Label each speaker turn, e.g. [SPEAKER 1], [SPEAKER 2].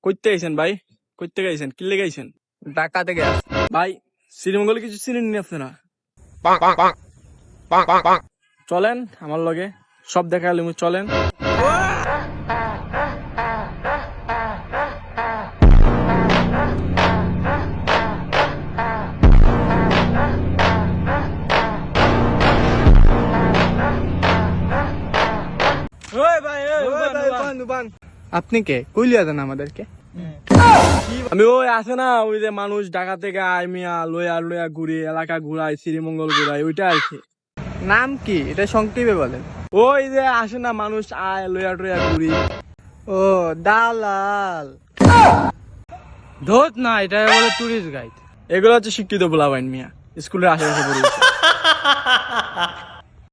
[SPEAKER 1] কইতে গেছেন ভাই? কইতে গেছেন? কি লেগে গেছেন?
[SPEAKER 2] ঢাকা থেকে আসছি।
[SPEAKER 1] ভাই শ্রীমঙ্গলে কিছু চিনেন নি আপনারা?
[SPEAKER 3] bonk, bonk, bonk, bonk, bonk, bonk.
[SPEAKER 1] চলেন আমার লগে, সব দেখালে চলেন।
[SPEAKER 2] আপনি কে? কইলিয়া দেন আমাদেরকে।
[SPEAKER 1] আমি ওই আছে না, ওই যে মানুষ ঢাকা থেকে আয় মিয়া লইয়া লইয়া ঘুরে এলাকা ঘুরাই, শ্রীমঙ্গল ঘুরাই, ওইটা আর কি।
[SPEAKER 2] নাম কি? এটা সংক্ষেপে বলেন।
[SPEAKER 1] ওই যে আসে না মানুষ আয় লইয়া টইয়া ঘুরি।
[SPEAKER 2] ও দালাল।
[SPEAKER 4] ধোত না, এটা বলে টুরিস্ট গাইড।
[SPEAKER 1] এগুলো হচ্ছে শিক্ষিত পোলাপাইন মিয়া, স্কুলের আশেপাশে পড়ে গেছে।